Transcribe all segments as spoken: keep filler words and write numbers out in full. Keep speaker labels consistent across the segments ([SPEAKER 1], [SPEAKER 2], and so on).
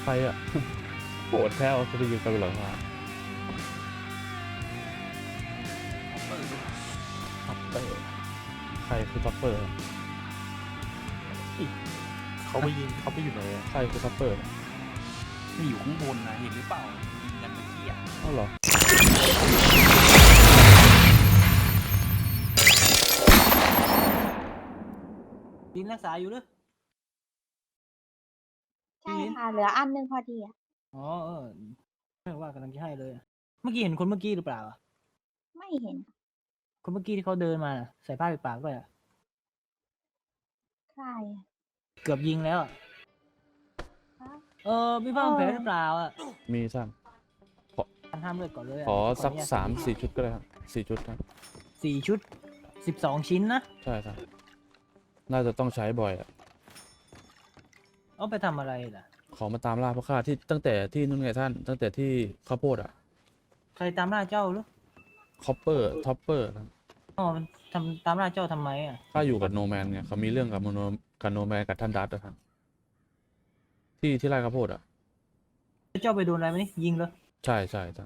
[SPEAKER 1] ใครอะโกรธแท้เอาสติอยู่กับหลังคา
[SPEAKER 2] ท็อปเปอร์
[SPEAKER 1] ใครคือท็อปเปอร์
[SPEAKER 2] เขาไปยิงเขาไปอยู่ไหนอะ
[SPEAKER 1] ใครคือท็อปเปอร์
[SPEAKER 3] มันอยู่ข้างบนนะเห็นหรือเปล่ายิงกันเมื่อกี้อ่ะ
[SPEAKER 1] อ้าวเหรอ
[SPEAKER 3] ยิงรักษาอยู่หรือ
[SPEAKER 4] ใช่ค่ะ เหลืออันหนึงพอดีอ่ะ
[SPEAKER 3] อ๋อเออไม่ว่ากำลังจะให้เลย เมื่อกี้เห็นคนเมื่อกี้หรือเปล่าอะ
[SPEAKER 4] ไม่เห็น
[SPEAKER 3] คนเมื่อกี้ที่เขาเดินมาน่ะใส่ผ้าปิดปากด้วยอะ
[SPEAKER 4] ใครอะ
[SPEAKER 3] เกือบยิงแล้วอะ
[SPEAKER 4] คะ
[SPEAKER 3] เออมีผ้าพันแผลหรือเปล่าอ่ะ
[SPEAKER 1] มีช่าง
[SPEAKER 3] ห้ามเลือดก่อนเลยะ
[SPEAKER 1] ขอสัก
[SPEAKER 3] นุญต
[SPEAKER 1] สามสี่ชุดก็ได้ครับสี่ชุดครับ
[SPEAKER 3] สี่ชุดสิบสองชิ้นนะ
[SPEAKER 1] ใช่ครับน่าจะต้องใช้บ่อยอะ
[SPEAKER 3] เอาไปทำอะไรล่ะ
[SPEAKER 1] ขอมาตามล่าพวกข้าที่ตั้งแต่ที่นู่นไงท่าน ตั้งแต่ที่ข้าวโพดอะ
[SPEAKER 3] ใครตามล่าเจ้าหรือ
[SPEAKER 1] คอปเปอร์ท็อปเปอร์
[SPEAKER 3] อ๋อมันทำตามล่าเจ้าทำไมอ่ะ
[SPEAKER 1] ข้าอยู่กับโนแมนไงเขามีเรื่องกับโนกับโนแมนกับท่านดัตอะครับที่ที่ไร่ข้าวโพดอะ
[SPEAKER 3] เจ้าไปโดนอะไรไหมนี่ยิงเลย
[SPEAKER 1] ใช่ใช่ท่าน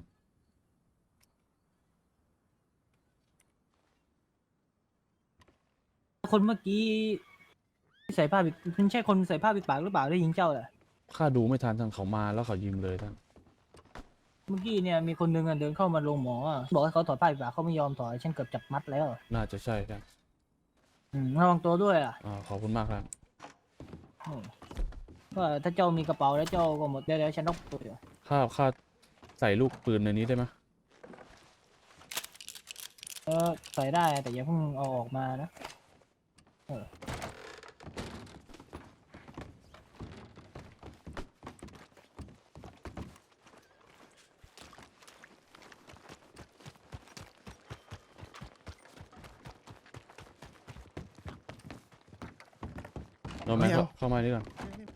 [SPEAKER 3] คนเมื่อกี้ที่ใส่ผ้าปิดคุณใช่คนใส่ผ้าปิดปากหรือเปล่าได้ยิงเจ้าแหละ
[SPEAKER 1] ข้าดูไม่ทันท่านเขามาแล้วเขายิงเลยท่าน
[SPEAKER 3] เมื่อกี้เนี่ยมีคนหนึงอะเดินเข้ามาโรงหมออะบอกให้เขาถอดผ้าปิดปากเขาไม่ยอมถอดฉันเกือบจับมัดแล้ว
[SPEAKER 1] น่าจะใช่ท่าน
[SPEAKER 3] อืมระวังตัวด้วยอ่ะ
[SPEAKER 1] อ่าขอบคุณมากครับ
[SPEAKER 3] อืมว่าถ้าเจ้ามีกระเป๋าแล้วเจ้าก็หมดแล้วฉันต้องตัวเดียว
[SPEAKER 1] ข้าข้าใส่ลูกปืนในนี้ได้ไหม
[SPEAKER 3] เออใส่ได้แต่อย่าเพิ่งเอาออกมานะเออ
[SPEAKER 1] โนแมนเข้าเข้ามานี่ก่อน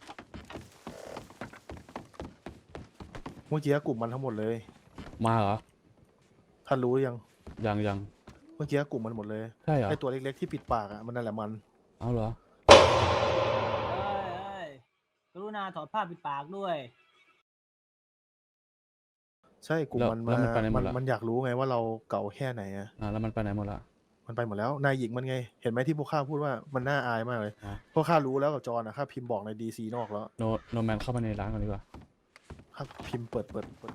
[SPEAKER 2] เมื่อกี้กลุ่มมันทั้งหมดเลย
[SPEAKER 1] มาเหรอ
[SPEAKER 2] ท่านรู้หรือยัง
[SPEAKER 1] ยังยัง
[SPEAKER 2] เมื่อกี้กลุ่มมันหมดเลย
[SPEAKER 1] ใช่เหรอ
[SPEAKER 2] ไอตัวเล็กๆที่ปิดปากอ่ะมันนั่นแหละมัน
[SPEAKER 1] เอาเหรอ
[SPEAKER 3] เอ้ยเอ้ยกรุณาถอดผ้าปิดปากด้วย
[SPEAKER 2] ใช่กลุ่ม
[SPEAKER 1] แล้ว
[SPEAKER 2] มัน
[SPEAKER 1] แล้ว
[SPEAKER 2] มา
[SPEAKER 1] มันไปไหนหม
[SPEAKER 2] มั
[SPEAKER 1] ด
[SPEAKER 2] น
[SPEAKER 1] ละ
[SPEAKER 2] มันอยากรู้ไงว่าเราเก่าแค่ไหนอ่ะ
[SPEAKER 1] อ่าแล้วมันไปไหนหมดละ
[SPEAKER 2] มันไปหมดแล้วนายหญิงมันไง เห็นไหมที่พวกข้าพูดว่ามันน่าอายมากเลย
[SPEAKER 1] อ่ะ
[SPEAKER 2] พวกข้ารู้แล้วกับจอห์นนะข้าพิมพ์บอกในดีซีนอกแล้ว
[SPEAKER 1] โนโนแมนเข้ามาในร้านก่อนดีกว่า
[SPEAKER 2] ข้าพิมพ์เปิดเปิดเปิด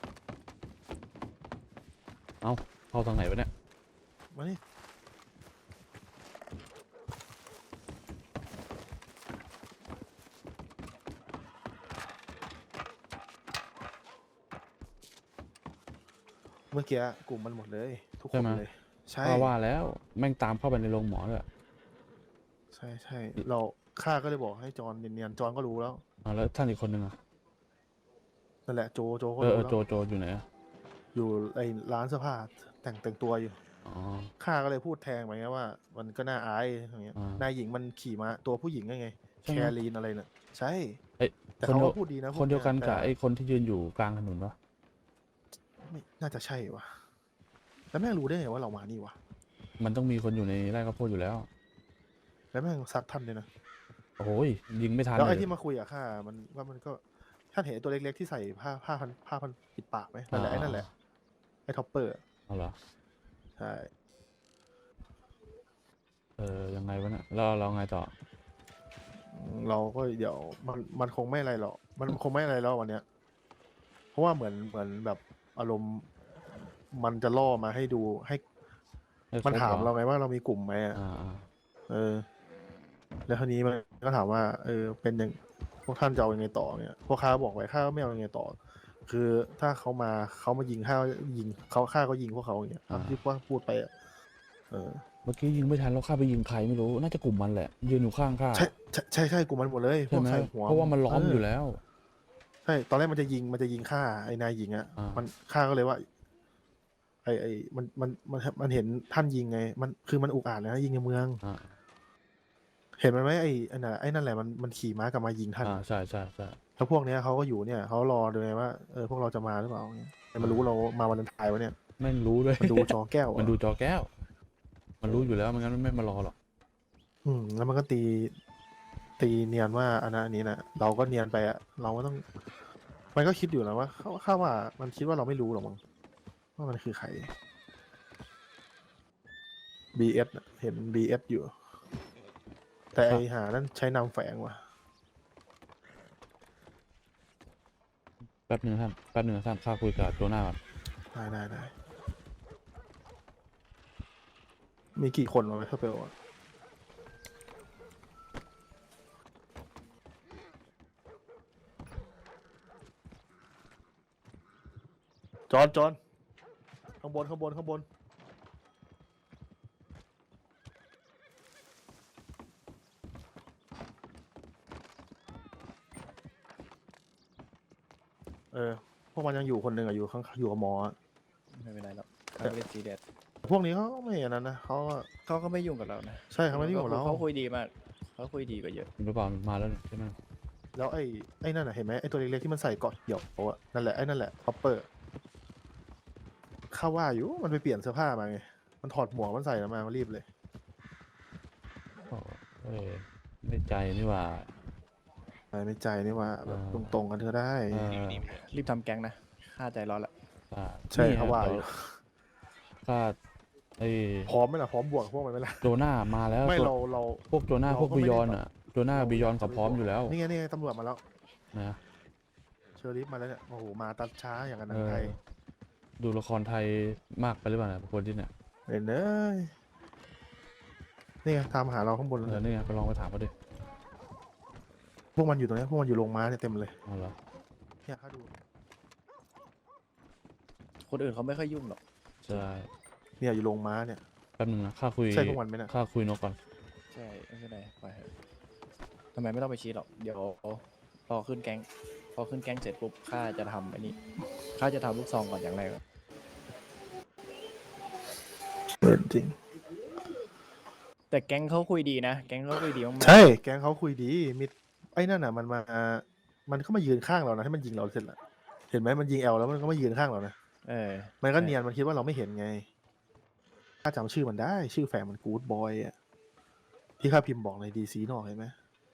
[SPEAKER 1] เอาเข้าทางไหนวะเนี่ย
[SPEAKER 2] มานี่เมื่อกี้กลุ่มมันหมดเลย ทุกค
[SPEAKER 1] ใช่
[SPEAKER 2] น
[SPEAKER 1] ไหม
[SPEAKER 2] เลย ใช่
[SPEAKER 1] ข้าว่าแล้วแม่งตามเข้าไปในโรงหมอเลย
[SPEAKER 2] ใช่ใช่เราข้าก็เลยบอกให้จอห์นเนียนๆจอห์นก็รู้แล้ว
[SPEAKER 1] อ่าแล้วท่านอีกคนนึงอ่ะ
[SPEAKER 2] นั่นแหละโจโจก็
[SPEAKER 1] เออ
[SPEAKER 2] รู้
[SPEAKER 1] เออ
[SPEAKER 2] แล้ว
[SPEAKER 1] โจโจอยู่ไหนอะ
[SPEAKER 2] อยู่ไอ้ร้านเสื้อผ้าแต่งแต่งตัวอยู่
[SPEAKER 1] อ๋อ
[SPEAKER 2] ข้าก็เลยพูดแทงไปไงว่า มันก็น่าอายอย่างเงี้ย
[SPEAKER 1] อ่าน
[SPEAKER 2] ายหญิงมันขี่มาตัวผู้หญิงไง
[SPEAKER 1] ใช่
[SPEAKER 2] แค
[SPEAKER 1] ไหม
[SPEAKER 2] รีนอะไรน่ะใช่
[SPEAKER 1] เอ้ย
[SPEAKER 2] แต่
[SPEAKER 1] คน
[SPEAKER 2] เขา
[SPEAKER 1] เดีย
[SPEAKER 2] ก็
[SPEAKER 1] ว
[SPEAKER 2] พูดดีนะพ
[SPEAKER 1] คนเดียวกัน
[SPEAKER 2] แต่
[SPEAKER 1] กับไอ้คนที่ยืนอยู่กลางถนนปะ
[SPEAKER 2] ไม่น่าจะใช่วะแล้วแม่งรู้ได้ไงว่าเรามานี่วะ
[SPEAKER 1] มันต้องมีคนอยู่ในไร่ข้าวโพดอยู่แล้ว
[SPEAKER 2] แล้วแม่งซัดท่านเลยนะ
[SPEAKER 1] โอ้ยยิงไม่ทัน
[SPEAKER 2] แล้ว
[SPEAKER 1] เล
[SPEAKER 2] ไอ้
[SPEAKER 1] ย
[SPEAKER 2] ที่มาคุยกับข้ามันว่ามันก็ท่านเห็นไอ้ตัวเล็กๆที่ใส่ผ้าผ้าพันผ้าพันปิดปากไหมนั่นแหละไอ้นั่นแหละไอ้ท็อปเปอร์
[SPEAKER 1] เอาเหรอ
[SPEAKER 2] ใช่
[SPEAKER 1] เออยังไงวะเนี่ยแล้วเราไงต่อ
[SPEAKER 2] เราก็เดี๋ยวมันมันคงไม่อะไรหรอกมันคงไม่อะไรแล้ววันเนี้ย เพราะว่าเหมือนเหมือนแบบอารมณ์มันจะล่อมาให้ดูให้
[SPEAKER 1] ให้ครบ
[SPEAKER 2] มันถาม
[SPEAKER 1] เหรอ
[SPEAKER 2] เราไงว่าเรามีกลุ่มไหมอะ
[SPEAKER 1] อ่าอ่า
[SPEAKER 2] เออ แล้วทีนี้มันก็ถามว่า เออ เป็นยังพวกท่านจะเอายังไงต่อเนี่ยพวกข้าบอกไว้ข้าก็ไม่เอายังไงต่อ คือถ้าเขามาเขามายิงข้าก็ยิงเขาข้าก็ยิงพวกเขาอย่างเงี้ยตามที่ว่าพูดไปอะเออ
[SPEAKER 1] เมื่อกี้ยิงไม่ทันแล้วข้าไปยิงใครไม่รู้น่าจะกลุ่มมันแหละ ยืนอยู่ข้างข้า
[SPEAKER 2] ใช่ใช่ใช่ใช่กลุ่มมันหมดเลยพ
[SPEAKER 1] ใช่
[SPEAKER 2] วก
[SPEAKER 1] ไหม
[SPEAKER 2] ใส่หัว
[SPEAKER 1] เพราะว่ามันล้อม
[SPEAKER 2] เ
[SPEAKER 1] อยู่แล้ว
[SPEAKER 2] ใช่ตอนแรกมันจะยิงมันจะยิงฆ่าไอ้นายหญิงอ่ะ
[SPEAKER 1] อ่ามั
[SPEAKER 2] มันฆ่าก็เลยว่า ไอ้ไอ้มันมันมันมันเห็นท่านยิงไง มันคือมันอุกอาจเลยนะยิงในเมือง
[SPEAKER 1] อ่า
[SPEAKER 2] เห็นมันไหมไอ้ไอ้น่ะไอ้นั่นแหละมันมันขี่ม้ากลับมายิงท่าน
[SPEAKER 1] อ่าใช่ใช่ใช่
[SPEAKER 2] แล้วพวกเนี้ยเขาก็อยู่เนี่ยเขารอดูไงว่าเออพวกเราจะมาหรือเปล่าเนี่ยแต่มันรู้เรามาวันทายวะเนี่ย
[SPEAKER 1] แม่งรู้เลย
[SPEAKER 2] มันดูจอแก้วอะ
[SPEAKER 1] มันดูจอแก้ว มันรู้อยู่แล้วไม่งั้นมันไม่มารอหรอก
[SPEAKER 2] อืมแล้วมันก็ตีตีเนียนว่าอันนั้นอันนี้นะเราก็เนียนไปอะเราก็ต้อง มันก็คิดอยู่นะว่าเขาข้าว่ามันคิดว่าเราไม่รู้หรอกมั้งว่ามันคือใคร บี เอส น่ะเห็น บี เอส อยู่ แต่ไอหานั่นใช้นามแฝงว่ะ
[SPEAKER 1] แป๊บหนึ่งท่านแป๊บหนึ่งนะท่านข้าคุยกับโจนาก่อน
[SPEAKER 2] ได้ได้ได้มีกี่คนวะถ้าเปลวอะจอนจอนข้างบนข้างบนข้างบน เออ พวกมันยังอยู่คนหนึ่งอะอยู่ข้างอยู่กับหมออะ
[SPEAKER 5] ไม่เป็นไรหรอกเขาไม่ได้ซีเรียส
[SPEAKER 2] พวกนี้เขาก็ไม่อันนั้นนะเขาก็
[SPEAKER 5] เขาก็ไม่ยุ่งกับเรานะ
[SPEAKER 2] ใช่เขาไม่ได้ยุ่งกับเรา
[SPEAKER 5] เขาคุยดีมากเขาคุยดีกว่าเยอะ
[SPEAKER 1] หรือเปล่ามาแล้วนี่ใช่ไหม
[SPEAKER 2] แล้วไอ้ไอ้นั่นน่ะเห็นไหมไอ้ตัวเล็กๆที่มันใส่เกาะเกี่ยวโอะนั่นแหละไอ้นั่นแหละคอปเปอร์ข้าว่าอยู่มันไปเปลี่ยนเสื้อผ้ามาไงมันถอดหมวกมันใส่มามันรีบเลย
[SPEAKER 1] โอ้เอ้ยไม่ใจนี่หว่า
[SPEAKER 2] ไม่ไม่ใจนี่ว่าแบบ
[SPEAKER 1] อ่า
[SPEAKER 2] ตรงๆกันเธอได้
[SPEAKER 1] เออ
[SPEAKER 5] รีบทำแก๊งนะค่าใจร้อนละ
[SPEAKER 1] อ่า
[SPEAKER 2] ใช่
[SPEAKER 1] นี่
[SPEAKER 2] เขาว่า
[SPEAKER 1] ดี๋
[SPEAKER 2] อยู่
[SPEAKER 1] ข้าไอ้
[SPEAKER 2] พร้อมไหมล่ะพร้อมบวกพวกมันไหมล่ะ
[SPEAKER 1] โจนามาแล้ว
[SPEAKER 2] ไม่
[SPEAKER 1] โจ
[SPEAKER 2] เราเรา
[SPEAKER 1] พวกโจนา
[SPEAKER 2] เรา
[SPEAKER 1] พวก
[SPEAKER 2] ก็
[SPEAKER 1] บิ
[SPEAKER 2] ไม่ได้
[SPEAKER 1] ยอน
[SPEAKER 2] แบบ
[SPEAKER 1] อ่ะโจนาบิยอนเขาพร้อมอยู่แล้ว
[SPEAKER 2] นี่ไงนี่ไงตำรวจมาแล้ว
[SPEAKER 1] นะ
[SPEAKER 2] เชอริฟมาแล้วเนี่ยโอ้โหมาตัดช้าอย่างนั้น
[SPEAKER 1] เออ
[SPEAKER 2] ไทย
[SPEAKER 1] ดูละครไทยมากไปหรือเปล่าเนี่ยคนที่เนี่ย
[SPEAKER 2] เห็นเอ้ยนี่ไงตามหาเราข้างบน
[SPEAKER 1] เอ
[SPEAKER 2] เล
[SPEAKER 1] อย นี่ไงไปลองไปถามเขาดิ
[SPEAKER 2] พวกมันอยู่ตรงนี้พวกมันอยู่โรงม้าเนี่ยเต็มเลย
[SPEAKER 1] เอาเหรอ
[SPEAKER 2] เนี่ยข้าดู
[SPEAKER 5] คนอื่นเขาไม่ค่อยยุ่งหรอก
[SPEAKER 1] ใช่
[SPEAKER 2] เนี่ยอยู่โรงม้าเนี่ย
[SPEAKER 1] แป๊บนึงนะข้าคุย
[SPEAKER 2] ใช่พวกมันไหมนะ
[SPEAKER 1] ข้าคุยนกก่อน
[SPEAKER 5] ใช่ไม่เป็นไรปล่อยเถอะทำไมไม่ต้องไปชี้หรอกเดี๋ยวพอขึ้นแก๊งพอขึ้นแก๊งเสร็จปุ๊บข้าจะทำไอ้นี่ข้าจะทำลูกซองก่อนอย่างแรกอะ
[SPEAKER 2] เห็นจริง
[SPEAKER 5] แต่แก๊งเขาคุยดีนะแก๊งเขาคุยดีมากๆ
[SPEAKER 2] ใช่แก๊งเขาคุยดีมิดไอ้นั่นน่ะมันมา มันก็มายืนข้างเรานะให้มันยิงเราเสร็จละเห็นไหมมันยิงแอลแล้วมันก็มายืนข้างเรานะ
[SPEAKER 5] เออ
[SPEAKER 2] มันก็เนียนมันคิดว่าเราไม่เห็นไงข้าจำชื่อมันได้ ชื่อแฝงมันกู๊ดบอยอ่ะที่ข้าพิมพ์บอกในดีซีนอกเห็นไหม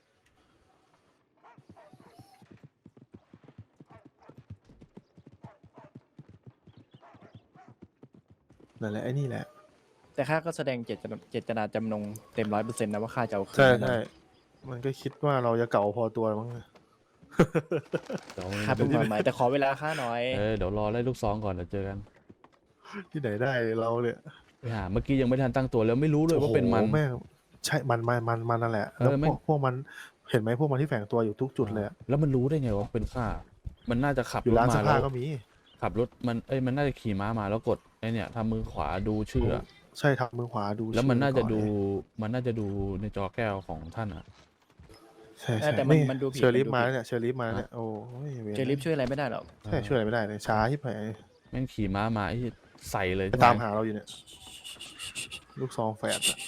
[SPEAKER 2] นั่นแหละไอ้นี่แหละ
[SPEAKER 5] แต่ข้าก็แสดงเจตนาเจตนาจำนงเต็มร้อยเปอร์เซ็นต์นะว่าข้าจะเอาคืน
[SPEAKER 2] ใช่
[SPEAKER 5] แน่นอน
[SPEAKER 2] ใช่มันก็คิดว่าเราจะเก่าพอตัวมั้ง
[SPEAKER 1] เดี๋ยว
[SPEAKER 5] ข้าเป็นความหมายแต่ขอเวลาข้าหน่อย
[SPEAKER 1] เออเดี๋ยวรอไล่ลูกซองก่อนเดี๋ยวเจอกัน
[SPEAKER 2] ที่ไหนได้เราเนี่ย
[SPEAKER 1] ไปหาเมื่อกี้ยังไม่ทันตั้งตัวแล้วไม่รู้เลยว่าเป็นมัน
[SPEAKER 2] โอ้โหแม่งใช่มันมันมันมันนั่นแหละ
[SPEAKER 1] เออ
[SPEAKER 2] แล้ว
[SPEAKER 1] แม่
[SPEAKER 2] พ
[SPEAKER 1] ง
[SPEAKER 2] วกพวกมันเห็นไหมพวกมันที่แฝงตัวอยู่ทุกจุดเลยอะ
[SPEAKER 1] แล้วมันรู้ได้ไงว่าเป็นข้ามันน่าจะขับ
[SPEAKER 2] อยู่
[SPEAKER 1] รถ
[SPEAKER 2] ร้าน
[SPEAKER 1] มา
[SPEAKER 2] เสื้อ
[SPEAKER 1] แล้
[SPEAKER 2] ผ้าว ก็มี
[SPEAKER 1] ขับรถมันเอ้ยมันน่าจะขี่ม้ามาแล้วกดไอเนี่ยทำมือขวาดูชื่ออะ
[SPEAKER 2] ใช่ทำมือขวาดู
[SPEAKER 1] แล้วมัน
[SPEAKER 2] ชื่อ
[SPEAKER 1] น่าจะ
[SPEAKER 2] ก่อ
[SPEAKER 1] ดู
[SPEAKER 2] เลย
[SPEAKER 1] มันน่าจะดูในจอแก้วของท่านอ่ะ
[SPEAKER 2] ใช่
[SPEAKER 5] เออ
[SPEAKER 2] ใช่
[SPEAKER 5] แต่มัน
[SPEAKER 2] นี่
[SPEAKER 5] มันดูผิด
[SPEAKER 2] เชอริฟ
[SPEAKER 5] มันดู
[SPEAKER 2] มา
[SPEAKER 5] ผิด
[SPEAKER 2] เนี่ยเชอริฟมาเนี่ยโอ้ยวร
[SPEAKER 5] เจลิฟช่วยอะไรไม่ได้หรอก
[SPEAKER 2] ใช่ช่วยอะไรไม่ได้เลยช้าที่ไหน
[SPEAKER 1] แม่งขี่ม้ามาไอ้ใส่เลย
[SPEAKER 2] ไปตามหาเราอยู่เนี่ยลูกซองแฝดอะ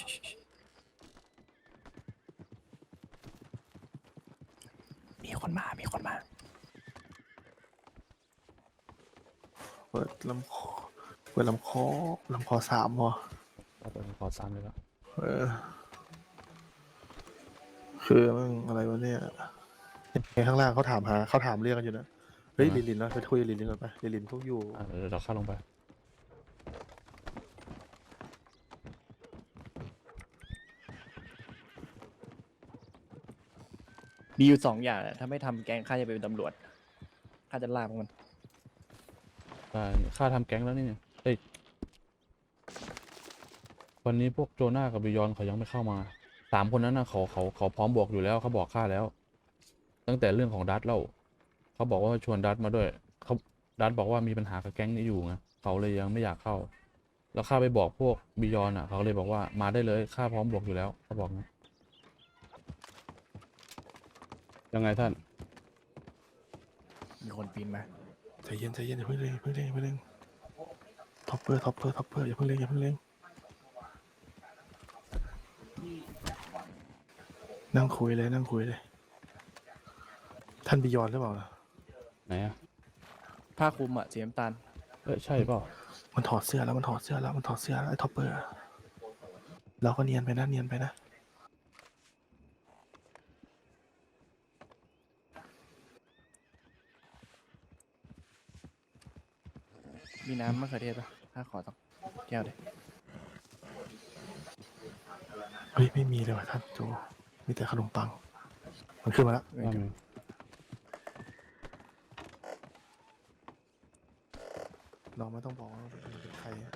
[SPEAKER 5] มีคนมามีคนมา
[SPEAKER 2] เปิดลำคอเปิดลำคอลำคอสามพอ
[SPEAKER 1] เอาไปขอซ้ำเลยแล้ว
[SPEAKER 2] เออคือมันอะไรวะเนี่ยไอ้ข้างล่างเขาถามหาเขาถามเรื่องกันอยู่นะเฮ้ยลินลินนะไปคุยกับลินลินก่อนไปลินลินพวกอยู่
[SPEAKER 1] อ่ะเดี๋ยวเราเข้าลงไป
[SPEAKER 5] มีอยู่สองอย่างอะถ้าไม่ทำแก๊งข้าจะไปเป็นตำรวจข้าจะลากพวกมัน
[SPEAKER 1] อ่าค่าทำแก๊งแล้วนี่เนี่ยเอ้ยวันนี้พวกโจนากับบิยอนเขายังไม่เข้ามาสามคนนั้นนะเขาเขาเขาพร้อมบวกอยู่แล้วเขาบอกข้าแล้ว ตั้งแต่เรื่องของดัตเล่าเขาบอกว่าชวนดัตมาด้วยเขาดัตบอกว่ามีปัญหากับแก๊งนี้อยู่ไงเขาเลยยังไม่อยากเข้า แล้วข้าไปบอกพวกบิยอนอ่ะเขาเลยบอกว่ามาได้เลยข้าพร้อมบวกอยู่แล้วเขาบอกนะยังไงท่าน
[SPEAKER 5] มีคนปีนมา
[SPEAKER 2] ใจเย็นใจเย็นอย่าเพิ่งเล่นอย่าเพิ่งเล่นอย่าเพิ่งเล่นท็อปเปอร์ท็อปเปอร์ท็อปเปอร์อย่าเพิ่งเล่นอย่าเพิ่งเล่นนั่งคุยเลยนั่งคุยเลย ท่านบิยอนหรือเปล่าล่ะ
[SPEAKER 1] ไหนอ่ะ
[SPEAKER 5] ผ้าคลุมอะสีน้ำตาล
[SPEAKER 1] เอ้ยใช่เปล่า
[SPEAKER 2] มันถอดเสื้อแล้วมันถอดเสื้อแล้วมันถอดเสื้อแล้วไอ้ท็อปเปอร์เราก็เนียนไปนะเนียนไปนะ
[SPEAKER 5] มีน้ำมะเขือเทศปะข้าขอต้องแก้วเดีย
[SPEAKER 2] เฮ้ยไม่มีเลยว่ะท่านโจมีแต่ขนมปัง มันขึ้นมาแล้ว
[SPEAKER 1] ว่าไง
[SPEAKER 2] เราไม่ต้องบอกว่าเป็นใครอะ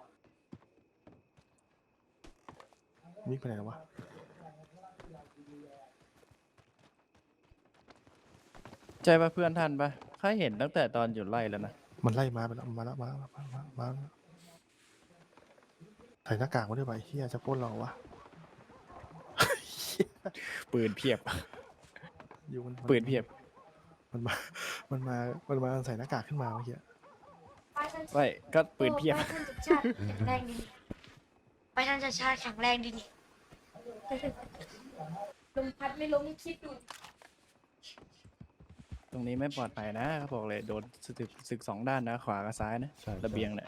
[SPEAKER 2] มิกไปไหนแล้ววะ
[SPEAKER 5] ใช่ปะเพื่อนท่านปะข้าเห็นตั้งแต่ตอนอยู่ไล่แล้วนะ
[SPEAKER 2] มันไล่มาไปแล้วมาแล้วมาแล้วมาแล้วมาแล้วใส่หน้ากากมาด้วยไปเฮียจะปล้นเราวะ
[SPEAKER 5] ปืนเพียบ
[SPEAKER 2] อยู่มัน
[SPEAKER 5] ปืนเพียบ
[SPEAKER 2] มันมา มันมา มันมาใส่หน้ากากขึ้นมาเมื่อกี้
[SPEAKER 5] ไม่ก็ปืนเพียบ
[SPEAKER 6] ไปท่านจะชาติแข็งแรงดีนี่ไปท่านจะชาติแข็งแรงดีนี่ลมพัดไม่ล้มคิดดู
[SPEAKER 5] ตรงนี้ไม่ปลอดภัยนะเขาบอกเลยโดนศึกศึกสองด้านนะ ขวากับซ้ายนะ
[SPEAKER 1] ใช่
[SPEAKER 5] ระเบียงเนี่ย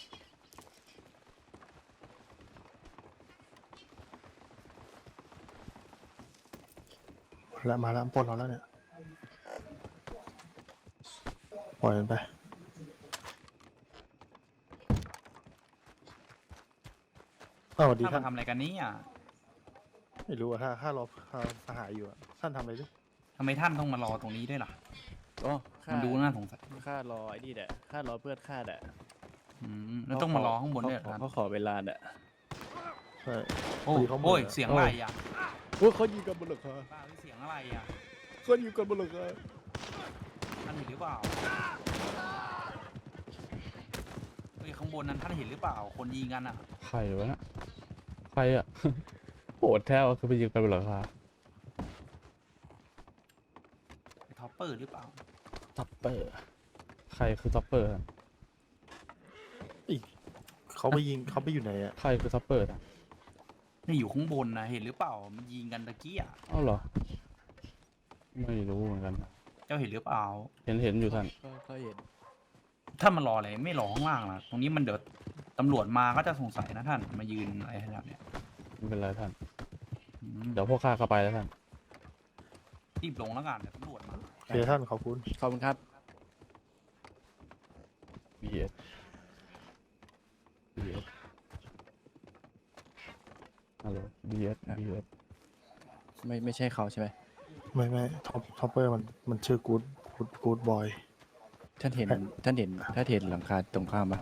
[SPEAKER 2] แล้วมาแล้วปล้นเราแล้วเนี่ย ปล่อยมันไปอ้าวสวัสดี
[SPEAKER 7] ท่าน
[SPEAKER 2] ท่าน
[SPEAKER 7] มาทำอะไรกันเนี่ย
[SPEAKER 2] ไม่รู้อะถ้าถ้ารอถ้าสหายอยู่อะท่านทำอะไรดิ
[SPEAKER 7] ทำไมท่านต้องมารอตรงนี้ด้วยล่ะ
[SPEAKER 5] อ๋อข้า
[SPEAKER 7] มันดูน่าสงสัย
[SPEAKER 5] ข้ารอไอ้นี่แหละข้ารอเพื่อนข้าแหละ
[SPEAKER 7] อืมแล้วต้องมารอข้างบนด้วยเหรอ
[SPEAKER 5] เขา
[SPEAKER 7] ท่าน
[SPEAKER 5] เขาขอเวลาแหละ
[SPEAKER 2] ใช่
[SPEAKER 7] โอ้
[SPEAKER 2] พอดีเขาหมด
[SPEAKER 7] โอ้ย
[SPEAKER 2] อะ
[SPEAKER 7] เสียงอะไรอ่ะ
[SPEAKER 5] โอ้เขายิงกันบนหลังคา
[SPEAKER 7] ป้าเสียงอะไรอ่ะ
[SPEAKER 5] เขายิงกันบนหลังคา
[SPEAKER 7] ท่านเห็นหรือเปล่าเฮ้ยข้างบนนั้นท่านเห็นหรือเปล่า คนยิงกันอ่ะ
[SPEAKER 1] ใครวะน่ะใครอ่ะ โหดแท้วะคือไปยิงกันบนหลังคา
[SPEAKER 7] ไอ้ท็อปเปอร์หรือเปล่า
[SPEAKER 1] ท็อปเปอร์ ใครคือท็อปเปอร์อะ
[SPEAKER 2] เขาไปยิงเขาไปอยู่ไหนอะ
[SPEAKER 1] ใครคือท็อปเปอร์อะ
[SPEAKER 7] นี่อยู่ข้างบนนะเห็นหรือเปล่า มันยิงกันตะกี้อ่ะ
[SPEAKER 1] เอ้าเหรอ ไม่รู้เหมือนกัน
[SPEAKER 7] เจ้าเห็นหรือเปล่า
[SPEAKER 1] เห็นเห็นอยู่ท่าน
[SPEAKER 5] ก็ก็เห็น
[SPEAKER 7] ท่านมารออะไรไม่รอข้างล่างล่ะ ตรงนี้มันเดี๋ยวตำรวจมาก็จะสงสัยนะท่าน มายืนอะไรขนาดเนี้ย
[SPEAKER 1] ไม่เป็นไรท่าน
[SPEAKER 7] อืม
[SPEAKER 1] เดี๋ยวพวกข้าเข้าไปแล้วท่าน
[SPEAKER 7] รีบลงแล้วกันเดี๋ยวตำรวจมา
[SPEAKER 2] โอเคท่านขอบคุณ
[SPEAKER 5] ขอบคุณครับ
[SPEAKER 1] บี เอส บี เอส ฮัลโหล บี เอส บี เอส
[SPEAKER 5] ไม่ไม่ใช่เขาใช่ไหม
[SPEAKER 2] ไม่ไม่ท็อปท็อปเปอร์มันมันชื่อกู๊ดกู๊ดกู๊ดบอย
[SPEAKER 5] ท่านเห็นท่านเห็นท่านเห็นหลังคาตรงข้ามปะ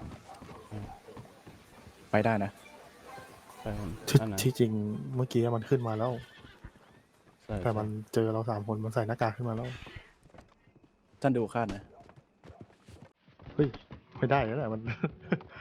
[SPEAKER 5] ไปได้นะ
[SPEAKER 1] ใช่ท่าน
[SPEAKER 2] ที่
[SPEAKER 1] ท่านไหน
[SPEAKER 2] ที่จริงเมื่อกี้มันขึ้นมาแล้ว
[SPEAKER 1] ใช่
[SPEAKER 2] แต่มันเจอเราสามคนมันใส่หน้ากากขึ้นมาแล้ว
[SPEAKER 5] ท่านดูข้านะ
[SPEAKER 2] เฮ้ยไม่ได้แล้วแหละมัน